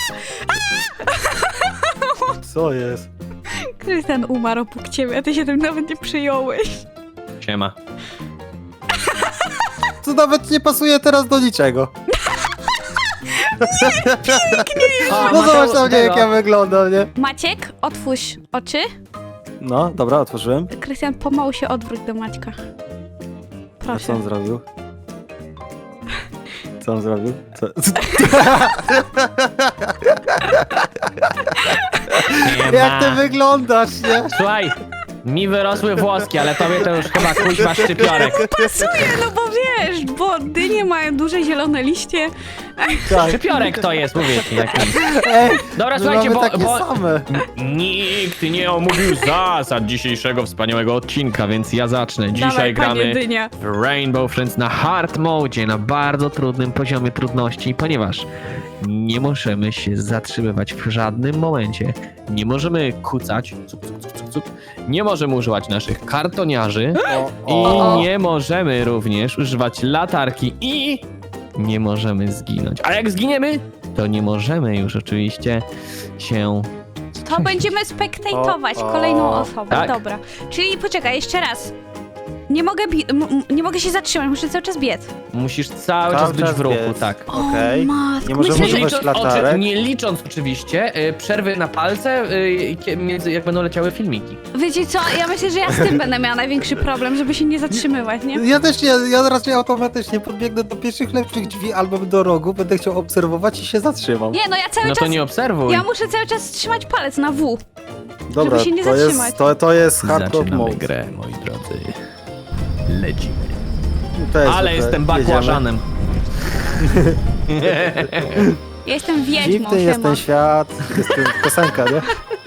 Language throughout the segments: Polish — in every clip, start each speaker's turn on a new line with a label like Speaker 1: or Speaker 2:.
Speaker 1: Co jest?
Speaker 2: Krystian umarł obok ciebie, a ty się tym nawet nie przyjąłeś.
Speaker 3: Siema.
Speaker 1: To nawet nie pasuje teraz do niczego.
Speaker 3: O,
Speaker 1: No zobacz
Speaker 3: Mateusz,
Speaker 1: na mnie, jak
Speaker 3: tego.
Speaker 1: ja wyglądam, nie?
Speaker 2: Maciek, otwórz oczy.
Speaker 1: No, dobra, otworzyłem.
Speaker 2: Krystian, pomału się odwróć do Maćka.
Speaker 1: A co
Speaker 2: Proszę.
Speaker 1: on zrobił? Co on zrobił? Co? Jak ty wyglądasz, nie?
Speaker 3: Słuchaj, mi wyrosły włoski, ale tobie to już chyba kuźma szczypiorek.
Speaker 2: Pasuje, no bo wiesz, bo dynie mają duże zielone liście.
Speaker 1: Tak.
Speaker 3: Szczypiorek to jest, mówię ci. Taki.
Speaker 1: Ej,
Speaker 3: Dobra,
Speaker 1: my
Speaker 3: słuchajcie,
Speaker 1: mamy
Speaker 3: bo,
Speaker 1: takie
Speaker 3: bo
Speaker 1: same.
Speaker 3: nikt nie omówił zasad dzisiejszego wspaniałego odcinka, więc ja zacznę. Dzisiaj
Speaker 2: Dawaj, panie
Speaker 3: gramy
Speaker 2: dynia.
Speaker 3: w Rainbow Friends na hard mode, na bardzo trudnym poziomie trudności, ponieważ nie możemy się zatrzymywać w żadnym momencie. Nie możemy kucać, cup, cup, cup, cup, cup. Nie możemy używać naszych kartoniarzy i nie możemy również używać latarki i nie możemy zginąć. A jak zginiemy, to nie możemy już oczywiście się...
Speaker 2: To będziemy spektatować kolejną osobę.
Speaker 3: Tak.
Speaker 2: Dobra. Czyli poczekaj, jeszcze raz. Nie mogę, nie mogę się zatrzymać, muszę cały czas biec.
Speaker 3: Musisz cały czas być w ruchu, tak.
Speaker 1: Okej.
Speaker 2: Matko,
Speaker 1: Nie możemy
Speaker 2: myślę, że...
Speaker 1: używać latarek.
Speaker 3: Nie licząc oczywiście przerwy na palce, między, jak będą leciały filmiki.
Speaker 2: Wiecie co, ja myślę, że ja z tym będę miała największy problem, żeby się nie zatrzymywać, nie?
Speaker 1: Ja też nie, ja raczej automatycznie podbiegnę do pierwszych lepszych drzwi albo do rogu, będę chciał obserwować i się zatrzymam.
Speaker 2: Nie, no ja cały
Speaker 3: No to
Speaker 2: czas...
Speaker 3: nie obserwuj.
Speaker 2: Ja muszę cały czas trzymać palec na W.
Speaker 1: Dobra,
Speaker 2: się nie
Speaker 1: to
Speaker 2: zatrzymać.
Speaker 1: jest, to jest hardcore
Speaker 3: Zaczynamy
Speaker 1: mode.
Speaker 3: grę, moi drodzy. Lecimy.
Speaker 1: To jest
Speaker 3: Ale
Speaker 1: zwykle.
Speaker 3: jestem
Speaker 1: Jedziemy.
Speaker 3: bakłażanem.
Speaker 2: Ja jestem wiedźmą,
Speaker 1: Dziwny jest
Speaker 2: siema.
Speaker 1: ten świat, jest ten piosenka, nie?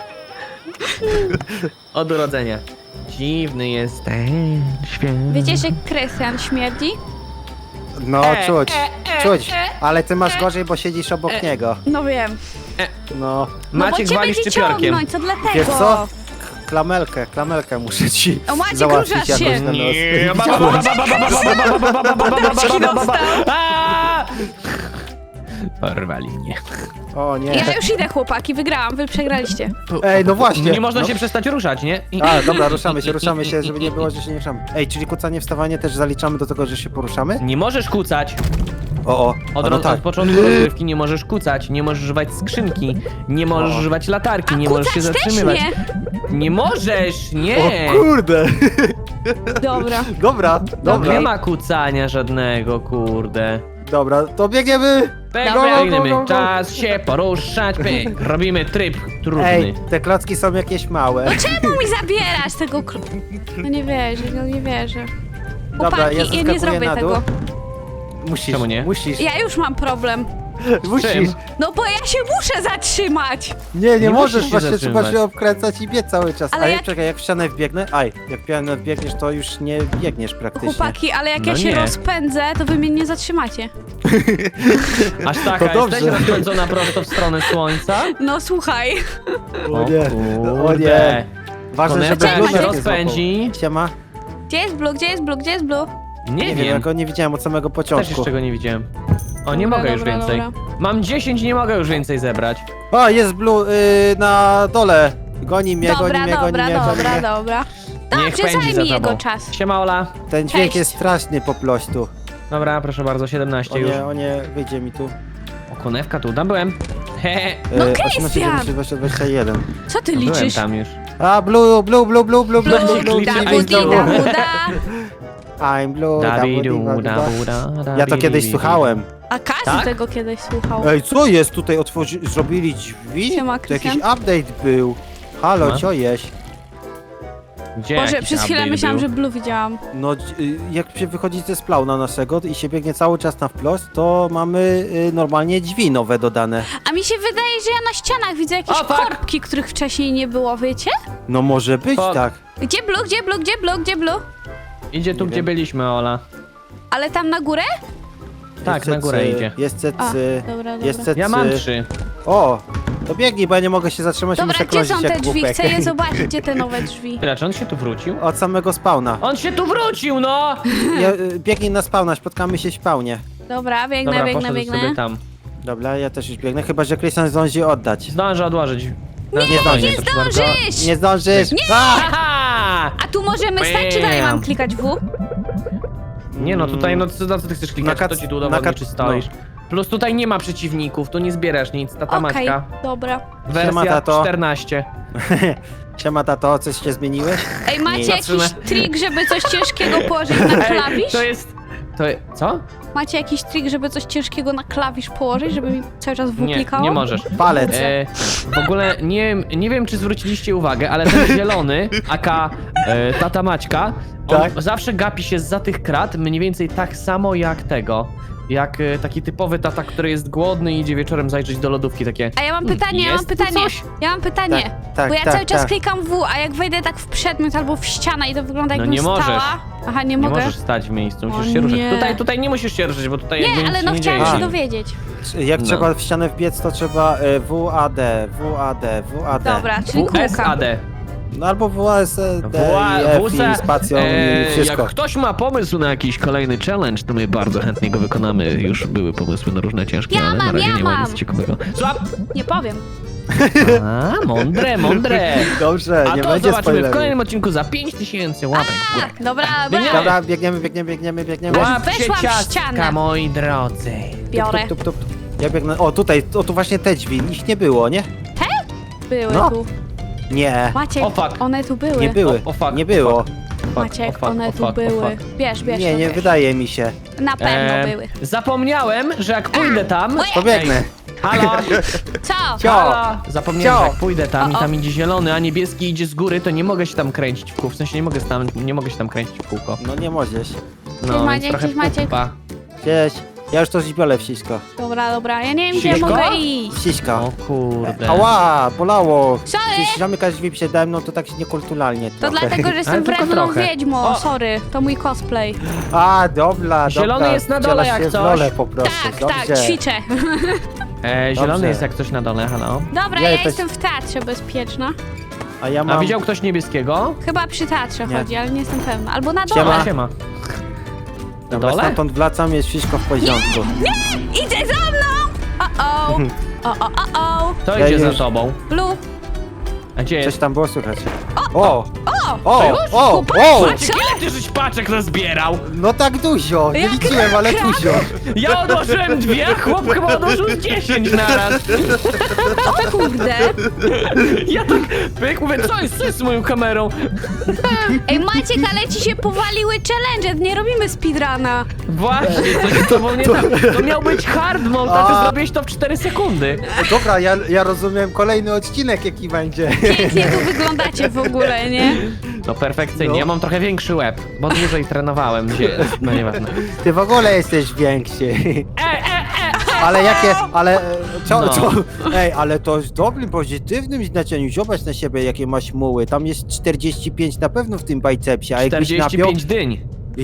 Speaker 3: Od urodzenia. Dziwny jest ten świat.
Speaker 2: Wiecie, że Krystian śmierdzi?
Speaker 1: No, czuć, ale ty masz gorzej, bo siedzisz obok niego.
Speaker 2: No wiem.
Speaker 1: No,
Speaker 2: No
Speaker 3: Maciek
Speaker 2: bo cię
Speaker 3: wali
Speaker 2: będzie
Speaker 3: szczypiorkiem.
Speaker 2: ciągnąć, co dlatego?
Speaker 1: wiesz co? Klamelkę muszę ci
Speaker 2: O, Maciek,
Speaker 1: załatwić
Speaker 2: ruszasz
Speaker 1: jakoś
Speaker 2: się.
Speaker 1: na nos.
Speaker 3: Nie,
Speaker 2: Paczki dostał.
Speaker 3: A! Porwali mnie.
Speaker 1: O nie.
Speaker 2: Ja już idę, chłopaki, wygrałam, wy przegraliście.
Speaker 1: Ej, no właśnie.
Speaker 3: Nie można
Speaker 1: no.
Speaker 3: się przestać ruszać, nie?
Speaker 1: A, dobra, ruszamy się, żeby nie było, że się nie ruszamy. Ej, czyli kucanie, wstawanie też zaliczamy do tego, że się poruszamy?
Speaker 3: Nie możesz kucać.
Speaker 1: O,
Speaker 3: Od,
Speaker 1: no tak.
Speaker 3: od początku rozgrywki nie możesz kucać, nie możesz używać skrzynki, nie możesz używać latarki, nie możesz się
Speaker 2: Kucać też
Speaker 3: zatrzymywać.
Speaker 2: nie.
Speaker 3: Nie możesz, nie!
Speaker 1: O kurde.
Speaker 2: Dobra.
Speaker 1: Dobra,
Speaker 3: Nie
Speaker 1: dobra,
Speaker 3: ma kucania żadnego, kurde.
Speaker 1: dobra, to biegniemy.
Speaker 3: Pyk,
Speaker 2: Dobra.
Speaker 3: biegniemy.
Speaker 1: Go, go, go.
Speaker 3: Czas się poruszać, pyk. Robimy tryb trudny.
Speaker 1: Ej, te klocki są jakieś małe.
Speaker 2: Czemu mi zabierasz tego No nie wierzę, no nie wierzę.
Speaker 1: Dobra,
Speaker 2: Chłopaki,
Speaker 1: ja
Speaker 2: ja nie
Speaker 1: zeskakuję
Speaker 2: zrobię
Speaker 1: na dół.
Speaker 2: tego.
Speaker 1: Musisz,
Speaker 3: Czemu nie?
Speaker 1: musisz,
Speaker 2: Ja już mam problem.
Speaker 1: musisz.
Speaker 3: czym?
Speaker 2: No bo ja się muszę zatrzymać.
Speaker 1: Nie
Speaker 3: Nie
Speaker 1: możesz,
Speaker 3: musisz się
Speaker 1: właśnie trzeba
Speaker 3: zatrzymać.
Speaker 1: się obkręcać i biec cały czas.
Speaker 2: Ale
Speaker 1: A
Speaker 2: jak-
Speaker 1: jak... czekaj, jak w ścianę wbiegnę, jak w ścianę wbiegniesz, to już nie biegniesz praktycznie.
Speaker 2: Chłopaki, ale jak
Speaker 3: No
Speaker 2: ja się
Speaker 3: nie.
Speaker 2: rozpędzę, to wy mnie nie zatrzymacie.
Speaker 3: Aż
Speaker 1: To
Speaker 3: taka
Speaker 1: dobrze.
Speaker 3: jesteś rozpędzona prosto w stronę słońca?
Speaker 2: No słuchaj.
Speaker 1: O nie, o
Speaker 3: kurde.
Speaker 1: nie. Ważne, żeby
Speaker 2: Czekaj,
Speaker 1: blue
Speaker 3: się
Speaker 2: Maciek.
Speaker 1: nie
Speaker 3: rozpędzi.
Speaker 1: złapał. Siema.
Speaker 2: Gdzie jest Blue, gdzie jest Blue, gdzie jest Blue?
Speaker 3: Nie
Speaker 1: Nie wiem, ja
Speaker 3: wiem.
Speaker 1: go nie widziałem od samego
Speaker 3: Też
Speaker 1: początku.
Speaker 3: jeszcze go nie widziałem. O, nie
Speaker 2: Dobra,
Speaker 3: mogę już
Speaker 2: dobra,
Speaker 3: więcej.
Speaker 2: dobra.
Speaker 3: Mam 10, nie mogę już więcej zebrać.
Speaker 1: O, jest blue na dole. Goni mnie,
Speaker 2: Dobra,
Speaker 1: goni mnie, goni
Speaker 2: dobra,
Speaker 1: mnie, goni
Speaker 2: dobra,
Speaker 1: mnie.
Speaker 2: dobra.
Speaker 3: Niech
Speaker 2: Dobrze,
Speaker 3: pędzi za
Speaker 2: zajmij jego
Speaker 3: tobą.
Speaker 2: czas.
Speaker 3: Siema, Ola.
Speaker 1: Ten dźwięk
Speaker 2: Cześć.
Speaker 1: jest straszny po prostu.
Speaker 3: Dobra, proszę bardzo, 17 już.
Speaker 1: O nie, wyjdzie mi tu.
Speaker 3: O, konewka tu, tam byłem. Hehe.
Speaker 2: No,
Speaker 1: 18,
Speaker 2: Krystian!
Speaker 1: 19, 20, 21.
Speaker 2: Co ty
Speaker 3: Byłem
Speaker 2: liczysz?
Speaker 3: tam już.
Speaker 1: A, blue, blue, blue, blue, blue, blue,
Speaker 2: Blue,
Speaker 1: blue, blue,
Speaker 3: Liczy,
Speaker 2: da,
Speaker 3: liczy,
Speaker 2: budi,
Speaker 3: liczy.
Speaker 2: da, buda.
Speaker 1: I'm blue, da,
Speaker 3: Dabidu,
Speaker 1: budi, da, da.
Speaker 3: dabuda,
Speaker 1: Ja to kiedyś słuchałem.
Speaker 2: A każdy
Speaker 3: Tak?
Speaker 2: tego kiedyś słuchał.
Speaker 1: Ej, co jest tutaj? Zrobili drzwi?
Speaker 2: Siema,
Speaker 1: To jakiś
Speaker 2: Krystian.
Speaker 1: update był. Halo,
Speaker 3: No.
Speaker 1: co jest?
Speaker 3: Gdzie
Speaker 2: Boże,
Speaker 3: jakiś
Speaker 2: przez chwilę
Speaker 3: update
Speaker 2: myślałam,
Speaker 3: był?
Speaker 2: że Blue widziałam.
Speaker 1: No, jak się wychodzi ze spawna naszego i się biegnie cały czas na wprost, to mamy normalnie drzwi nowe dodane.
Speaker 2: A mi się wydaje, że ja na ścianach widzę jakieś
Speaker 3: O, fuck!
Speaker 2: korbki, których wcześniej nie było, wiecie?
Speaker 1: No może być
Speaker 3: To-
Speaker 1: tak.
Speaker 2: Gdzie Blue, gdzie Blue, gdzie Blue, gdzie Blue?
Speaker 3: Idzie tu,
Speaker 1: Nie
Speaker 3: gdzie
Speaker 1: wiem.
Speaker 3: byliśmy, Ola.
Speaker 2: Ale tam na górę?
Speaker 3: Tak,
Speaker 1: Jest
Speaker 3: na górę
Speaker 1: cecy,
Speaker 3: idzie.
Speaker 1: Jest
Speaker 2: A,
Speaker 1: cecy,
Speaker 2: dobra,
Speaker 1: jest
Speaker 2: dobra.
Speaker 1: cecy.
Speaker 3: Ja mam 3.
Speaker 1: O, to biegnij, bo ja nie mogę się zatrzymać i
Speaker 2: Dobra,
Speaker 1: muszę
Speaker 2: gdzie
Speaker 1: krążyć
Speaker 2: są
Speaker 1: jak
Speaker 2: te drzwi?
Speaker 1: głupek.
Speaker 2: Chcę je zobaczyć, gdzie te nowe drzwi.
Speaker 3: Tyle, czy on się tu wrócił?
Speaker 1: Od samego spawna.
Speaker 3: On się tu wrócił, no!
Speaker 1: Ja, biegnij na spawna, spotkamy się w spawnie.
Speaker 2: Dobra, biegnę,
Speaker 3: Dobra,
Speaker 2: biegnę,
Speaker 3: poszedł
Speaker 2: biegnę.
Speaker 3: sobie tam.
Speaker 1: Dobra, ja też już biegnę, chyba że Krystian zdąży oddać.
Speaker 3: Zdążę odłożyć.
Speaker 1: Nie zdążysz.
Speaker 2: Nie zdążysz!
Speaker 1: Nie zdążysz!
Speaker 3: Aha!
Speaker 2: A tu możemy stać, czy dalej mam klikać W?
Speaker 3: Nie no, tutaj no co ty chcesz klikać,
Speaker 1: Na
Speaker 3: to
Speaker 1: kac-
Speaker 3: ci tu udowodni,
Speaker 1: na
Speaker 3: czy
Speaker 1: kac-
Speaker 3: stoisz. Plus tutaj nie ma przeciwników, tu nie zbierasz nic, tata
Speaker 2: Okej,
Speaker 3: Maćka.
Speaker 2: dobra.
Speaker 1: Siema,
Speaker 3: Wersja
Speaker 1: tato.
Speaker 3: 14.
Speaker 1: Siema tato, coś się zmieniłeś?
Speaker 2: Ej, macie
Speaker 1: Nie.
Speaker 2: jakiś
Speaker 3: Patrzymy.
Speaker 2: trik, żeby coś ciężkiego położyć na klawisz?
Speaker 3: to jest... Co?
Speaker 2: Macie jakiś trik, żeby coś ciężkiego na klawisz położyć, żeby mi cały czas W
Speaker 3: Nie,
Speaker 2: klikało?
Speaker 3: nie możesz.
Speaker 1: Palec.
Speaker 3: W ogóle nie wiem, czy zwróciliście uwagę, ale ten zielony, aka tata Maćka, on
Speaker 1: Tak.
Speaker 3: zawsze gapi się zza tych krat mniej więcej tak samo jak tego. Jak taki typowy tata, który jest głodny i idzie wieczorem zajrzeć do lodówki, takie...
Speaker 2: A ja mam pytanie,
Speaker 3: jest tu coś?
Speaker 2: Ja mam pytanie.
Speaker 1: Tak,
Speaker 2: Bo ja
Speaker 1: tak,
Speaker 2: cały czas
Speaker 1: tak.
Speaker 2: klikam W, a jak wejdę tak w przedmiot albo w ścianę i to wygląda
Speaker 3: No
Speaker 2: jakbym
Speaker 3: nie możesz.
Speaker 2: stała... Aha, nie
Speaker 3: Nie
Speaker 2: mogę?
Speaker 3: możesz stać w miejscu, musisz
Speaker 2: O
Speaker 3: się ruszać.
Speaker 2: nie.
Speaker 3: Tutaj nie musisz się ruszyć, bo tutaj jakby
Speaker 2: Nie,
Speaker 3: nic
Speaker 2: ale no
Speaker 3: nie
Speaker 2: chciałam
Speaker 3: dzieje
Speaker 2: się
Speaker 1: A.
Speaker 2: dowiedzieć.
Speaker 1: Jak
Speaker 3: No.
Speaker 1: trzeba w ścianę wbiec, to trzeba WAD.
Speaker 2: Dobra, czyli kółka.
Speaker 3: WSAD.
Speaker 1: No albo WASD i spacją i wszystko.
Speaker 3: Jak ktoś ma pomysł na jakiś kolejny challenge, to my bardzo chętnie go wykonamy. Już były pomysły na różne ciężkie,
Speaker 2: Ja
Speaker 3: ale na
Speaker 2: mam,
Speaker 3: razie
Speaker 2: ja
Speaker 3: nie ma
Speaker 2: mam.
Speaker 3: nic ciekawego. Złap!
Speaker 2: Nie powiem.
Speaker 3: A, mądre.
Speaker 1: Dobrze,
Speaker 3: A
Speaker 1: nie
Speaker 3: to
Speaker 1: będzie
Speaker 3: zobaczymy w
Speaker 1: spoilerów.
Speaker 3: kolejnym odcinku za 5000 łapek w górę.
Speaker 2: Dobra,
Speaker 3: Biegniemy.
Speaker 2: dobra.
Speaker 1: Dobra, biegniemy.
Speaker 3: Łapcie
Speaker 2: weszłam w
Speaker 3: ciastka,
Speaker 2: ścianę.
Speaker 3: moi drodzy.
Speaker 2: Biorę.
Speaker 1: Tup. Ja biegnę. O, tutaj, tu właśnie te drzwi. Ich nie było, nie?
Speaker 2: Były
Speaker 1: No.
Speaker 2: tu.
Speaker 1: Nie.
Speaker 2: Maciek,
Speaker 3: O, fuck.
Speaker 2: one tu były.
Speaker 1: Nie były.
Speaker 3: O, fuck,
Speaker 1: Nie
Speaker 3: o,
Speaker 1: było.
Speaker 2: Maciek, one tu były. Bierz,
Speaker 1: Nie, nie
Speaker 2: bierz.
Speaker 1: wydaje mi się.
Speaker 2: Na pewno były.
Speaker 3: Zapomniałem, że jak pójdę tam...
Speaker 1: Pobiegnę.
Speaker 3: Ej, halo?
Speaker 2: Co?
Speaker 1: Cio.
Speaker 3: Halo? Zapomniałem, że
Speaker 1: Cio.
Speaker 3: jak pójdę tam i
Speaker 2: O, o.
Speaker 3: tam idzie zielony, a niebieski idzie z góry, to nie mogę się tam kręcić w kółko. W sensie nie mogę się tam kręcić w kółko.
Speaker 1: No nie możesz.
Speaker 3: No, więc
Speaker 2: Maciek,
Speaker 3: trochę
Speaker 2: cześć, Maciek.
Speaker 3: pupa.
Speaker 1: Cześć. Ja już to zbiorę wścisko.
Speaker 2: Dobra. Ja nie wiem, gdzie
Speaker 3: Siśko?
Speaker 2: mogę iść.
Speaker 1: Wściska.
Speaker 3: O kurde.
Speaker 1: Ała, bolało.
Speaker 2: Sorry.
Speaker 1: Jeśli zamykasz drzwi przede mną, to tak się niekulturalnie
Speaker 2: To
Speaker 1: trochę.
Speaker 2: dlatego, że jestem
Speaker 3: tylko
Speaker 2: wredną
Speaker 3: trochę.
Speaker 2: wiedźmą.
Speaker 3: O.
Speaker 2: Sorry, to mój cosplay.
Speaker 1: A, dobra.
Speaker 3: Zielony jest na dole
Speaker 1: Wcielasz
Speaker 3: jak
Speaker 1: się w
Speaker 3: coś.
Speaker 1: rolę po prostu.
Speaker 2: Tak,
Speaker 1: Dobrze.
Speaker 2: ćwiczę.
Speaker 3: Zielony
Speaker 1: Dobrze.
Speaker 3: jest jak coś na dole, halo.
Speaker 2: Dobra,
Speaker 1: Ja
Speaker 2: ja
Speaker 1: też-
Speaker 2: jestem w teatrze bezpieczna.
Speaker 1: A ja
Speaker 3: A
Speaker 1: mam...
Speaker 3: widział ktoś niebieskiego?
Speaker 2: Chyba przy teatrze
Speaker 1: Nie.
Speaker 2: chodzi, ale nie jestem pewna. Albo na dole.
Speaker 1: Siema.
Speaker 3: Siema.
Speaker 1: Dobra,
Speaker 3: dole?
Speaker 1: stamtąd wracam, jest wszystko w porządku.
Speaker 2: Idzie za mną! O.
Speaker 3: To
Speaker 1: Ja
Speaker 3: idzie za
Speaker 1: już-
Speaker 3: tobą.
Speaker 2: Blue.
Speaker 3: A gdzie
Speaker 1: Coś
Speaker 3: jest?
Speaker 1: tam było słychać. O!
Speaker 3: już?
Speaker 1: O!
Speaker 3: Maciek, ile ty żeś paczek nazbierał?
Speaker 1: No tak dużo, nie
Speaker 2: Jak
Speaker 1: liczyłem, ale dużo.
Speaker 3: Ja odłożyłem 2, a chłop chyba odłożył z 10 naraz.
Speaker 2: O kurde.
Speaker 3: Ja tak pyk, mówię, co jest z moją kamerą?
Speaker 2: Ej, Maciek, ale ci się powaliły challenge, nie robimy speedruna.
Speaker 3: Właśnie, coś z tobą nie tak. To miał być hard mode, a ty
Speaker 1: A.
Speaker 3: zrobiłeś to w 4 sekundy.
Speaker 1: Dobra, ja rozumiem kolejny odcinek jaki będzie.
Speaker 2: Pięknie tu wyglądacie w ogóle, nie?
Speaker 3: No perfekcyjnie,
Speaker 1: No.
Speaker 3: ja mam trochę większy łeb, bo dłużej trenowałem. No nieważne.
Speaker 1: Ty w ogóle jesteś większy.
Speaker 3: E!
Speaker 1: Ale jakie, ale co,
Speaker 3: No.
Speaker 1: co? Ej, ale to w dobrym, pozytywnym znaczeniu. Zobacz na siebie, jakie masz muły. Tam jest 45 na pewno w tym bicepsie, a jakbyś napiął,
Speaker 3: 45 dyń.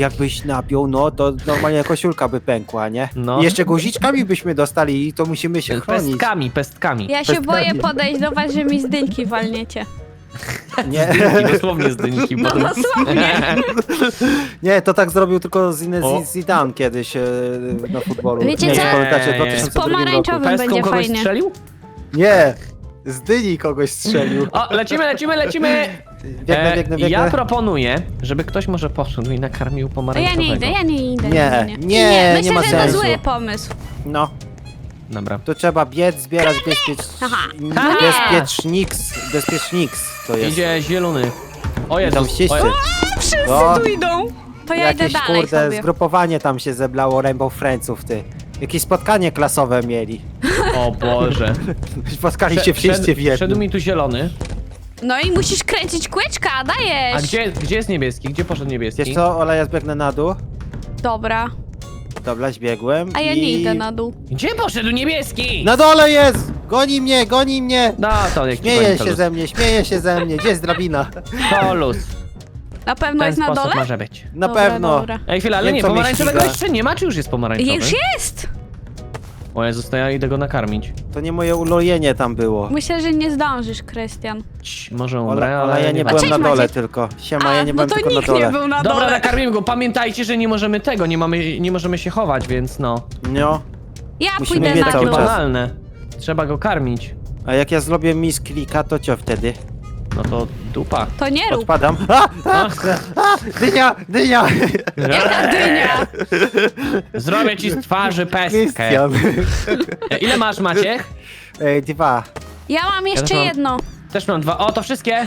Speaker 1: no to normalnie koszulka by pękła, nie?
Speaker 3: No.
Speaker 1: I jeszcze guziczkami byśmy dostali i to musimy się chronić.
Speaker 3: Pestkami.
Speaker 2: Ja się
Speaker 1: Pestkami.
Speaker 2: boję podejść do was, że mi z dynki walniecie.
Speaker 1: Nie,
Speaker 3: Dynki, dosłownie z dynki.
Speaker 2: No
Speaker 3: potem-
Speaker 2: dosłownie.
Speaker 1: nie, to tak zrobił tylko
Speaker 3: O.
Speaker 1: Zidane kiedyś na futbolu.
Speaker 2: Wiecie
Speaker 1: nie,
Speaker 2: co?
Speaker 1: pamiętacie, w
Speaker 3: Z
Speaker 1: 2002 roku.
Speaker 2: pomarańczowym.
Speaker 3: Pestką
Speaker 2: będzie
Speaker 3: kogoś
Speaker 2: fajnie.
Speaker 3: strzelił?
Speaker 1: Nie, z dyni kogoś strzelił.
Speaker 3: O, lecimy!
Speaker 1: Biegnę.
Speaker 3: Ja proponuję, żeby ktoś może poszedł i nakarmił
Speaker 2: Ja
Speaker 3: pomarańczowego.
Speaker 2: nie idę.
Speaker 1: Nie,
Speaker 2: Myślę,
Speaker 1: nie ma
Speaker 2: że to
Speaker 1: sensu.
Speaker 2: zły pomysł.
Speaker 1: No,
Speaker 3: Dobra.
Speaker 1: to trzeba biec, zbierać
Speaker 2: Aha.
Speaker 1: bezpieczniks to jest.
Speaker 3: Idzie zielony. O
Speaker 1: Tam
Speaker 3: Jezus,
Speaker 1: wszyscy.
Speaker 2: Wszyscy
Speaker 1: O.
Speaker 2: tu idą. To ja idę
Speaker 1: Jakieś
Speaker 2: dalej
Speaker 1: kurde,
Speaker 2: sobie.
Speaker 1: zgrupowanie tam się zebrało Rainbow Friendsów, ty. Jakieś spotkanie klasowe mieli.
Speaker 3: O Boże.
Speaker 1: Spotkali się wszyscy w
Speaker 3: Szedł
Speaker 1: jednym.
Speaker 3: mi tu zielony.
Speaker 2: No i musisz kręcić kłyczka, dajesz.
Speaker 3: A gdzie jest niebieski? Gdzie poszedł niebieski?
Speaker 1: Wiesz co, Ola, ja zbiegnę na dół.
Speaker 2: Dobra.
Speaker 1: Dobra, zbiegłem.
Speaker 2: A ja
Speaker 1: i...
Speaker 2: nie idę na dół.
Speaker 3: Gdzie poszedł niebieski?
Speaker 1: Na dole jest! Goni mnie!
Speaker 3: No to jak
Speaker 1: Śmieje się ze mnie. Gdzie jest drabina?
Speaker 3: To luz.
Speaker 2: Na
Speaker 3: W
Speaker 2: pewno
Speaker 3: ten
Speaker 2: jest na
Speaker 3: sposób
Speaker 2: dole?
Speaker 3: może być.
Speaker 1: Na
Speaker 2: Dobra,
Speaker 1: pewno.
Speaker 2: dobra.
Speaker 3: Ej, chwila, ale
Speaker 1: Wiem,
Speaker 3: nie,
Speaker 1: co mnie
Speaker 3: pomarańczowego
Speaker 1: ściga.
Speaker 3: jeszcze nie ma, czy już jest pomarańczowy?
Speaker 2: Już jest!
Speaker 3: O Jezus, to ja idę go nakarmić.
Speaker 1: To nie moje ulojenie tam było.
Speaker 2: Myślę, że nie zdążysz, Krystian.
Speaker 3: Może umrę,
Speaker 1: Ola,
Speaker 3: ale
Speaker 1: ja nie
Speaker 3: ma-
Speaker 1: byłem
Speaker 2: Cześć,
Speaker 1: na dole
Speaker 2: Maciek.
Speaker 1: tylko. Siema, ja nie
Speaker 2: no
Speaker 1: byłem
Speaker 2: to
Speaker 1: tylko na
Speaker 2: nikt nie
Speaker 1: dole.
Speaker 2: był na
Speaker 3: Dobra,
Speaker 2: dole.
Speaker 3: nakarmimy go. Pamiętajcie, że nie możemy tego, nie możemy się chować, więc no.
Speaker 1: No.
Speaker 2: Ja
Speaker 1: Musimy
Speaker 2: pójdę
Speaker 1: mieć
Speaker 2: na
Speaker 1: cały
Speaker 2: dół.
Speaker 1: czas.
Speaker 3: Banalne. Trzeba go karmić.
Speaker 1: A jak ja zrobię misklika, to co wtedy?
Speaker 3: No to dupa.
Speaker 2: To nie rób.
Speaker 1: Odpadam. Dynia! Dynia!
Speaker 2: Jaka dynia?
Speaker 3: Zrobię ci z twarzy pestkę.
Speaker 1: Krystian.
Speaker 3: Ile masz, Maciek?
Speaker 1: 2.
Speaker 2: Ja mam jeszcze
Speaker 3: też mam.
Speaker 2: jedno.
Speaker 3: Też mam 2. O, to wszystkie.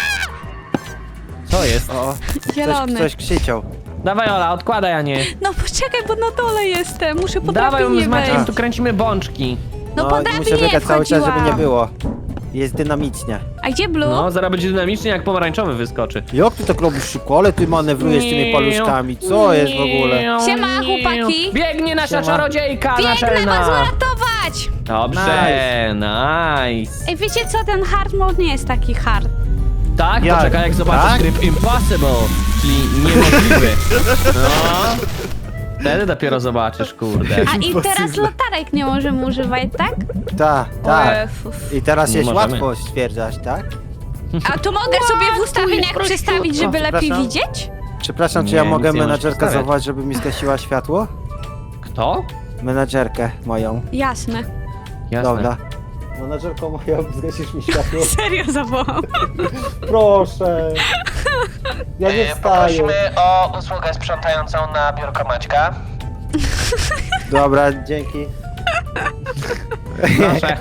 Speaker 3: Co jest?
Speaker 1: O,
Speaker 2: Zielony.
Speaker 1: ktoś krzyczał.
Speaker 3: Dawaj, Ola, odkładaj, a nie.
Speaker 2: No poczekaj, bo na dole jestem. Muszę po
Speaker 3: Dawaj,
Speaker 2: drabinie
Speaker 3: z Maciekiem
Speaker 2: wejść.
Speaker 3: tu kręcimy bączki.
Speaker 2: No po
Speaker 1: i muszę
Speaker 2: drabinie
Speaker 1: biegać cały czas, żeby nie
Speaker 2: wchodziłam.
Speaker 1: było. Jest dynamicznie.
Speaker 2: A gdzie Blue?
Speaker 3: No, zaraz będzie dynamicznie, jak pomarańczowy wyskoczy.
Speaker 1: Jak ty tak robisz szybko? Ale ty manewrujesz tymi paluszkami. Co jest w ogóle?
Speaker 2: Siema, chłopaki.
Speaker 3: Biegnie nasza
Speaker 1: Siema.
Speaker 3: czarodziejka
Speaker 2: Biegnę was
Speaker 3: naczelna.
Speaker 2: uratować!
Speaker 3: Dobrze, nice.
Speaker 2: Ej, wiecie co? Ten hard mode nie jest taki hard.
Speaker 3: Tak?
Speaker 1: Jak?
Speaker 3: Poczekaj, jak zobaczysz
Speaker 1: Tak?
Speaker 3: tryb impossible, czyli niemożliwy. No. Wtedy dopiero zobaczysz, kurde.
Speaker 2: A i teraz latarek nie możemy używać, tak?
Speaker 1: Tak,
Speaker 2: O
Speaker 1: tak.
Speaker 2: Jezus.
Speaker 1: I teraz
Speaker 3: Nie
Speaker 1: jest
Speaker 3: możemy.
Speaker 1: łatwo stwierdzać, tak?
Speaker 2: A tu mogę sobie w ustawieniach przestawić, żeby
Speaker 1: O,
Speaker 2: lepiej
Speaker 1: przepraszam.
Speaker 2: widzieć?
Speaker 1: Przepraszam, czy
Speaker 3: Nie,
Speaker 1: ja
Speaker 3: nic
Speaker 1: mogę
Speaker 3: nie możesz
Speaker 1: menadżerkę
Speaker 3: wstawiać.
Speaker 1: zawołać, żeby mi zgasiła światło?
Speaker 3: Kto?
Speaker 1: Menadżerkę moją.
Speaker 2: Jasne.
Speaker 3: Jasne.
Speaker 1: Dobra. Menadżerko moja, zgasisz mi światło?
Speaker 2: Serio zawołam.
Speaker 1: Proszę. Ja nie wstaję.
Speaker 4: Poprosimy o usługę sprzątającą na biurko Maćka.
Speaker 1: Dobra, dzięki.
Speaker 3: Proszę.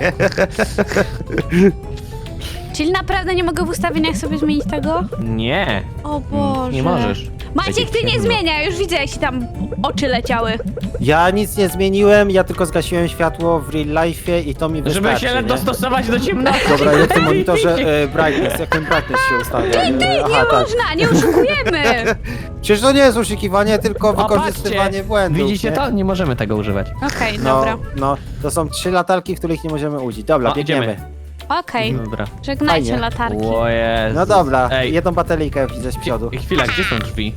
Speaker 2: Czyli naprawdę nie mogę w ustawieniach sobie zmienić tego?
Speaker 3: Nie.
Speaker 2: O Boże.
Speaker 3: Nie możesz.
Speaker 2: Maciek, ty nie
Speaker 3: Będzie
Speaker 2: zmienia, już widzę jak ci tam oczy leciały.
Speaker 1: Ja nic nie zmieniłem, ja tylko zgasiłem światło w real life i to mi wystarczy,
Speaker 3: Żeby się
Speaker 1: nie?
Speaker 3: dostosować do ciemności.
Speaker 1: Dobra, jak w tym monitorze brightness, jak ten brightness się ustawia?
Speaker 2: Nie można, nie oszukujemy.
Speaker 1: Przecież to nie jest oszukiwanie, tylko
Speaker 3: O,
Speaker 1: wykorzystywanie
Speaker 3: patrzcie.
Speaker 1: błędów.
Speaker 3: Widzicie
Speaker 1: nie?
Speaker 3: to? Nie możemy tego używać.
Speaker 2: Okej,
Speaker 1: No,
Speaker 2: dobra.
Speaker 1: no, to są 3 latarki, których nie możemy użyć. Dobra,
Speaker 3: O,
Speaker 1: biegniemy.
Speaker 3: idziemy.
Speaker 2: Okej,
Speaker 3: Dobra.
Speaker 2: żegnajcie
Speaker 1: Fajnie.
Speaker 2: latarki.
Speaker 3: O Jezus.
Speaker 1: No dobra,
Speaker 3: Ej,
Speaker 1: jedną bateryjkę widzę z przodu.
Speaker 3: chwila, gdzie są drzwi?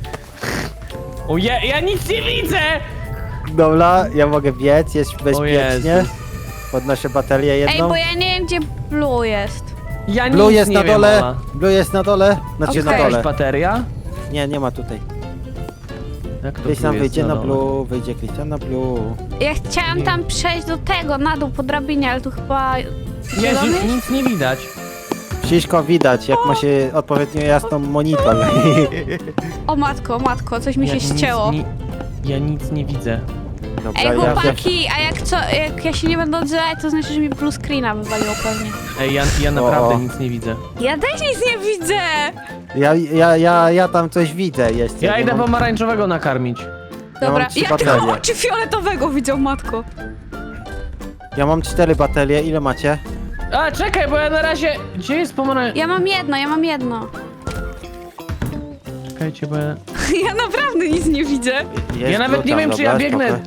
Speaker 3: O ja nic nie widzę!
Speaker 1: Dobra, ja mogę biec, jest bezpiecznie.
Speaker 3: Jezus.
Speaker 1: Podnoszę baterię
Speaker 2: Ej,
Speaker 1: jedną.
Speaker 2: bo ja nie wiem gdzie Blue jest.
Speaker 3: Ja
Speaker 1: Blue
Speaker 3: nic
Speaker 1: jest
Speaker 3: nie
Speaker 1: na
Speaker 3: wiem,
Speaker 1: dole,
Speaker 3: Ola.
Speaker 1: Blue jest na dole, znaczy
Speaker 2: Okej.
Speaker 1: na
Speaker 3: Jakaś
Speaker 1: dole.
Speaker 3: bateria?
Speaker 1: Nie, nie ma tutaj.
Speaker 3: Jak to
Speaker 1: Krystian
Speaker 3: tu jest
Speaker 1: wyjdzie na
Speaker 3: dole?
Speaker 1: Blue, wyjdzie Krystian na Blue.
Speaker 2: Ja chciałam tam przejść do tego, na dół po drabinie, ale tu chyba...
Speaker 3: Jezu,
Speaker 2: Zielony?
Speaker 3: nic nie widać.
Speaker 1: Wszystko widać, jak ma się odpowiednio jasną monitor.
Speaker 2: O matko, coś mi się
Speaker 3: Ja nic
Speaker 2: ścięło.
Speaker 3: Ja nic nie widzę.
Speaker 1: Dobra,
Speaker 2: Ej,
Speaker 1: ja
Speaker 2: chłopaki, a jak ja się nie będę odzywać, to znaczy, że mi blue screena wywaliło pewnie.
Speaker 3: Ej, ja naprawdę
Speaker 1: O.
Speaker 3: nic nie widzę.
Speaker 2: Ja też nic nie widzę!
Speaker 1: ja tam coś widzę jeszcze.
Speaker 3: Ja
Speaker 1: nie
Speaker 3: idę
Speaker 1: mam-
Speaker 3: pomarańczowego nakarmić.
Speaker 2: Dobra,
Speaker 1: mam 3
Speaker 2: ja
Speaker 1: baterie.
Speaker 2: tylko oczy fioletowego widzę, matko.
Speaker 1: Ja mam 4 baterie, ile macie?
Speaker 3: A, czekaj, bo ja na razie... Gdzie jest pomarańczowy?
Speaker 2: Ja mam jedno.
Speaker 3: Czekajcie, bo ja...
Speaker 2: Ja naprawdę nic nie widzę.
Speaker 1: Jest
Speaker 3: Ja nawet
Speaker 1: Blue
Speaker 3: nie
Speaker 1: tam,
Speaker 3: wiem, czy
Speaker 1: dobra,
Speaker 3: ja biegnę.
Speaker 1: spoko.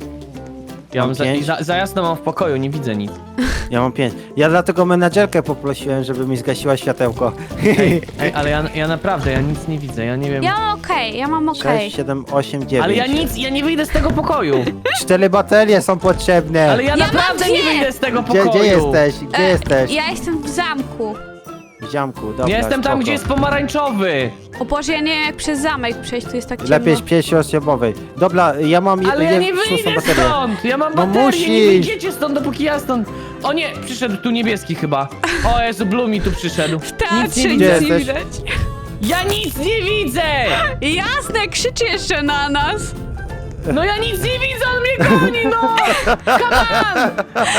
Speaker 3: Ja mam
Speaker 1: Mam
Speaker 3: za,
Speaker 1: pięć.
Speaker 3: za jasno mam w pokoju, nie widzę nic.
Speaker 1: Ja mam 5. Ja dlatego menadżerkę poprosiłem, żeby mi zgasiła światełko.
Speaker 3: Ej, ale ja naprawdę, ja nic nie widzę, ja nie wiem...
Speaker 2: Ja mam okej.
Speaker 1: 6, 7, 8, 9.
Speaker 3: Ale ja nie wyjdę z tego pokoju.
Speaker 1: 4 baterie są potrzebne.
Speaker 3: Ale ja
Speaker 2: Ja
Speaker 3: naprawdę
Speaker 2: mam
Speaker 3: nie
Speaker 2: dwie.
Speaker 3: wyjdę z tego
Speaker 1: Gdzie
Speaker 3: pokoju.
Speaker 1: jesteś? Gdzie jesteś?
Speaker 2: Ja jestem w zamku.
Speaker 1: W ziamku, dobra.
Speaker 3: Ja jestem tam,
Speaker 1: spoko.
Speaker 3: gdzie jest pomarańczowy.
Speaker 2: O Boże, ja nie wiem jak przez zamek przejść, tu jest tak ciemno.
Speaker 1: Lepiej z 5-osobowej. Dobra, ja mam
Speaker 3: Ale ja nie
Speaker 1: szóstą
Speaker 3: wyjdę
Speaker 1: baterię.
Speaker 3: stąd! Ja mam
Speaker 1: No
Speaker 3: baterię, nie
Speaker 1: musisz.
Speaker 3: wyjdziecie stąd, dopóki ja stąd... O nie, przyszedł tu niebieski chyba. O Jezu, Blue mi tu przyszedł.
Speaker 2: W teatrze
Speaker 1: Gdzie
Speaker 2: nic nie
Speaker 1: jesteś?
Speaker 2: widać.
Speaker 3: Ja nic nie widzę!
Speaker 2: Jasne, krzyczy jeszcze na nas.
Speaker 3: No ja nic nie widzę, on mnie goni, no! Come on!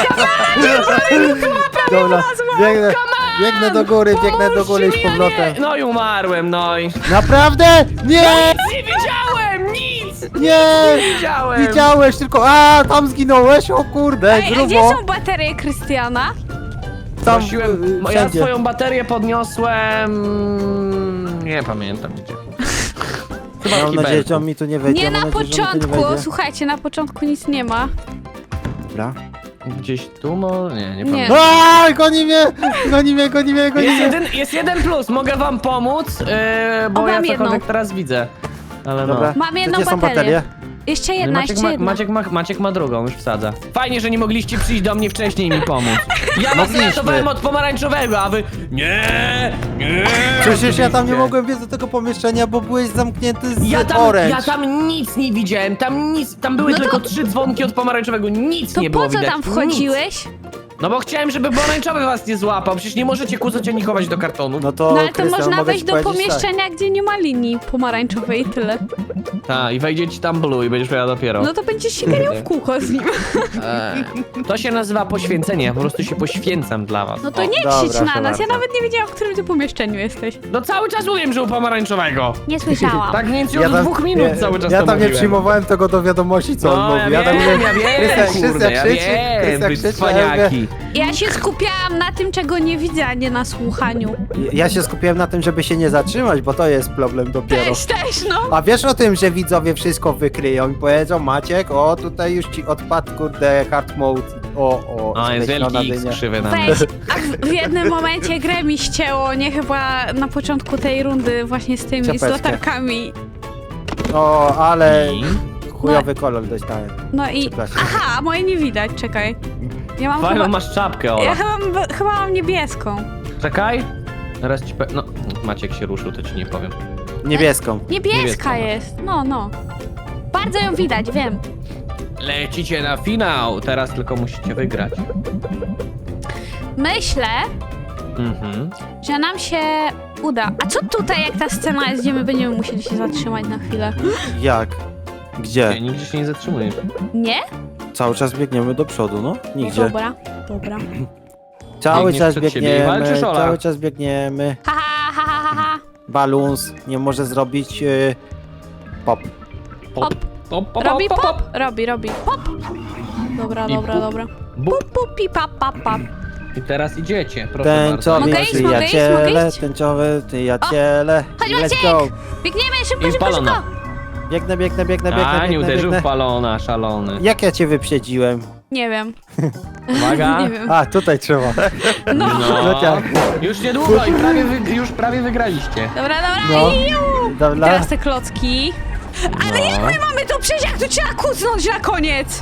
Speaker 1: Dobra, biegnę do góry, biegnę do góry z
Speaker 3: Pomóżcie mi,
Speaker 1: powrotem.
Speaker 3: No i umarłem, no i...
Speaker 1: Naprawdę? Nie!
Speaker 3: Nic nie widziałem, nic!
Speaker 1: Nie!
Speaker 3: Widziałem!
Speaker 1: Widziałeś tylko, tam zginąłeś, o kurde,
Speaker 2: Ej, a
Speaker 1: grubo.
Speaker 2: gdzie są baterie Krystiana?
Speaker 1: Tam,
Speaker 3: Prosiłem, ja
Speaker 1: wszędzie.
Speaker 3: swoją baterię podniosłem... Nie pamiętam gdzie. Chyba w
Speaker 1: Mam nadzieję, że
Speaker 3: kibelku.
Speaker 1: on mi tu nie wejdzie.
Speaker 2: Nie
Speaker 1: mam
Speaker 2: na
Speaker 1: nadzieję, że on mi tu nie
Speaker 2: początku,
Speaker 1: wejdzie.
Speaker 2: słuchajcie, na początku nic nie ma.
Speaker 1: Dobra.
Speaker 3: Gdzieś tu może? Nie
Speaker 2: Nie.
Speaker 3: pamiętam.
Speaker 1: Goni mnie! Goni mnie, goni mnie, goni mnie!
Speaker 3: Jest jeden plus, mogę wam pomóc, bo
Speaker 2: O,
Speaker 3: ja
Speaker 2: mam
Speaker 3: cokolwiek
Speaker 2: jedną.
Speaker 3: teraz widzę. Ale no.
Speaker 1: Dobra.
Speaker 2: Mam jedną
Speaker 1: Gdzie są
Speaker 2: baterię.
Speaker 1: baterie?
Speaker 2: Jeszcze jedna, jeszcze jedna.
Speaker 3: Maciek ma drugą, już wsadza. Fajnie, że nie mogliście przyjść do mnie wcześniej i mi pomóc. Ja was
Speaker 1: Mogliśmy.
Speaker 3: ratowałem od pomarańczowego, a wy... Nie!
Speaker 1: Przecież ja tam nie mogłem wejść do tego pomieszczenia, bo byłeś zamknięty z Orange.
Speaker 3: Ja tam nic nie widziałem, tam były
Speaker 2: No to-
Speaker 3: tylko 3 dzwonki od pomarańczowego, nic
Speaker 2: To
Speaker 3: nie było
Speaker 2: po co
Speaker 3: widać.
Speaker 2: tam wchodziłeś?
Speaker 3: Nic. No bo chciałem, żeby pomarańczowy was nie złapał, przecież nie możecie kłócać ani chować do kartonu.
Speaker 1: No to,
Speaker 2: No ale to
Speaker 1: Krystian,
Speaker 2: można
Speaker 1: mogę
Speaker 2: wejść
Speaker 1: ci
Speaker 2: do
Speaker 1: powiedzieć
Speaker 2: pomieszczenia, gdzie nie ma linii pomarańczowej i tyle.
Speaker 3: Tak, i wejdzie ci tam blue i będziesz miała dopiero.
Speaker 2: No to będziesz się ganiał w kółko z nim.
Speaker 3: To się nazywa poświęcenie, ja po prostu się poświęcam dla was.
Speaker 2: No to
Speaker 3: O.
Speaker 2: nie
Speaker 1: dobra,
Speaker 2: krzycz na
Speaker 1: proszę
Speaker 2: nas, ja
Speaker 1: bardzo.
Speaker 2: nawet nie wiedziałam, w którym ty pomieszczeniu jesteś.
Speaker 3: No cały czas mówiłem, że u pomarańczowego.
Speaker 2: Nie słyszałam.
Speaker 3: Tak mniej więcej
Speaker 1: Ja
Speaker 3: od
Speaker 1: tam-
Speaker 3: 2 minut cały czas
Speaker 1: Ja
Speaker 3: to
Speaker 1: tam nie
Speaker 3: mówiłem.
Speaker 1: przyjmowałem tego do wiadomości, co on
Speaker 3: No,
Speaker 1: mówi.
Speaker 3: ja
Speaker 1: tam
Speaker 3: wiem,
Speaker 1: mówię,
Speaker 3: ja wiem,
Speaker 1: Krystian
Speaker 3: kurde, ja
Speaker 1: krzyczy,
Speaker 3: wiem,
Speaker 1: Krystian
Speaker 3: wy
Speaker 1: krzyczy, a ja mówię-
Speaker 3: cwaniaki.
Speaker 2: Ja się skupiałam na tym, czego nie widzę, a nie na słuchaniu.
Speaker 1: Ja się skupiłem na tym, żeby się nie zatrzymać, bo to jest problem dopiero.
Speaker 2: Też, no.
Speaker 1: A wiesz o tym, że widzowie wszystko wykryją i powiedzą, Maciek, o tutaj już ci odpadł, kurde, hard mode.
Speaker 3: O, jest
Speaker 1: skreślona
Speaker 3: wielki X
Speaker 1: dynia.
Speaker 3: krzywy na mnie.
Speaker 2: Weź, a w jednym momencie grę mi ścięło, nie chyba na początku tej rundy właśnie z tymi, z
Speaker 1: Ciapeczkę.
Speaker 2: latarkami.
Speaker 1: O, ale
Speaker 3: I?
Speaker 1: chujowy kolor dostałem.
Speaker 2: No i...
Speaker 1: Przepraszam.
Speaker 2: Aha, a moje nie widać, czekaj. Ja mam
Speaker 3: Fajną
Speaker 2: chyba...
Speaker 3: masz czapkę,
Speaker 2: Ja
Speaker 3: Ola.
Speaker 2: chyba mam niebieską.
Speaker 3: Czekaj. Teraz ci No, Maciek się ruszył, to ci nie powiem.
Speaker 1: Niebieską.
Speaker 2: Niebieska
Speaker 3: Niebieską masz.
Speaker 2: jest, no. Bardzo ją widać, wiem.
Speaker 3: Lecicie na finał, teraz tylko musicie wygrać.
Speaker 2: Myślę,
Speaker 3: Mhm.
Speaker 2: że nam się uda. A co tutaj, jak ta scena jest, gdzie my będziemy musieli się zatrzymać na chwilę?
Speaker 1: Jak? Gdzie?
Speaker 3: Nie, nigdzie się nie zatrzymujesz.
Speaker 2: Nie?
Speaker 1: Cały czas biegniemy do przodu, no? Nigdzie.
Speaker 2: Dobra.
Speaker 1: Cały
Speaker 3: Biegniesz
Speaker 1: czas
Speaker 3: przed siebie i walczysz,
Speaker 1: biegniemy,
Speaker 3: Ola?
Speaker 1: cały czas biegniemy.
Speaker 2: Ha, ha, ha, ha, ha.
Speaker 1: Balloons nie może zrobić pop.
Speaker 2: Pop. Robi pop? Robi. Pop. Dobra.
Speaker 3: Bup.
Speaker 2: Pupi, pap.
Speaker 3: I teraz idziecie, proszę bardzo.
Speaker 1: Tęczowi
Speaker 2: Mogę iść, mogę iść,
Speaker 1: przyjaciele,
Speaker 2: mogę iść?
Speaker 1: tęczowe przyjaciele.
Speaker 2: Chodź,
Speaker 1: Let's
Speaker 2: Maciek!
Speaker 1: go.
Speaker 2: Biegniemy, szybko,
Speaker 3: I
Speaker 2: szybko,
Speaker 3: palona.
Speaker 2: szybko.
Speaker 1: Biegnę.
Speaker 3: A, nie uderzył
Speaker 1: biegnę.
Speaker 3: w balona, szalony.
Speaker 1: Jak ja cię wyprzedziłem?
Speaker 2: Nie wiem.
Speaker 3: Uwaga.
Speaker 2: Nie wiem.
Speaker 1: A, tutaj trzeba.
Speaker 3: No,
Speaker 1: No tak.
Speaker 3: już niedługo i już prawie wygraliście.
Speaker 2: Dobra.
Speaker 1: No.
Speaker 2: Iu.
Speaker 1: Dobra.
Speaker 2: Teraz te klocki. Ale
Speaker 3: No.
Speaker 2: jak my mamy to przejść, jak to trzeba kucnąć na koniec?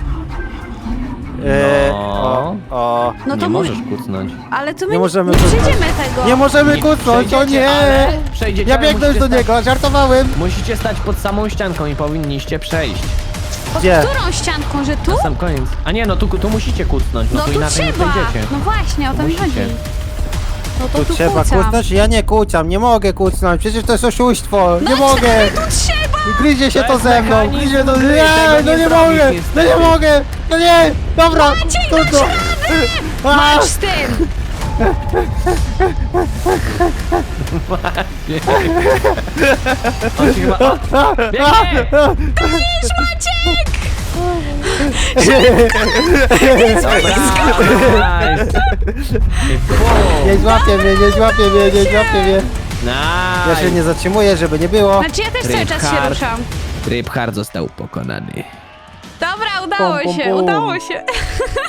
Speaker 1: O.
Speaker 2: No to
Speaker 3: Nie
Speaker 2: mój...
Speaker 3: możesz kucnąć.
Speaker 2: Ale to my
Speaker 1: Nie możemy
Speaker 2: nie
Speaker 1: kucnąć.
Speaker 2: przejdziemy tego.
Speaker 1: Nie możemy kucnąć, o
Speaker 3: przejdziecie,
Speaker 1: nie!
Speaker 3: ale przejdziecie,
Speaker 1: Ja
Speaker 3: ale
Speaker 1: biegnę już
Speaker 3: musicie
Speaker 1: do niego, żartowałem.
Speaker 3: Musicie stać pod samą ścianką i powinniście przejść.
Speaker 2: Pod
Speaker 1: Gdzie?
Speaker 2: którą ścianką, że tu?
Speaker 3: Na sam koniec. A nie, no tu musicie kucnąć, no
Speaker 2: No
Speaker 3: to
Speaker 2: tu
Speaker 3: inaczej
Speaker 2: trzeba.
Speaker 3: nie przejdziecie.
Speaker 2: No właśnie, o to mi
Speaker 3: Musicie.
Speaker 2: chodzi. No to
Speaker 1: Tu
Speaker 2: tu
Speaker 1: trzeba
Speaker 2: kucam.
Speaker 1: kucnąć? Ja nie kucam, nie mogę kucnąć, przecież to jest oszustwo, nie mogę!
Speaker 2: Tu trzeba!
Speaker 1: Gryzie się
Speaker 3: To
Speaker 1: to
Speaker 3: jest
Speaker 1: ze mną,
Speaker 3: mechanizm
Speaker 1: gryzie to...
Speaker 3: gry,
Speaker 1: Nie,
Speaker 3: tego
Speaker 1: no
Speaker 3: nie
Speaker 1: nie
Speaker 3: zrobisz
Speaker 1: mogę, no
Speaker 3: niestety.
Speaker 1: nie mogę, no nie, dobra,
Speaker 2: Maciek,
Speaker 1: to
Speaker 2: dasz
Speaker 1: A!
Speaker 2: Masz z tym!
Speaker 3: On się chyba... O, biegnie!
Speaker 2: Idź, Maciek!
Speaker 3: Nice.
Speaker 1: Nie złapie mnie, nie złapie mnie. Ja się
Speaker 3: Nice.
Speaker 1: nie zatrzymuję, żeby nie było.
Speaker 2: Znaczy ja też cały czas się
Speaker 3: Reinhard.
Speaker 2: ruszam.
Speaker 3: Rybhard został pokonany.
Speaker 2: Dobra, udało
Speaker 1: Pum, pum,
Speaker 2: się,
Speaker 1: pum.
Speaker 2: udało się.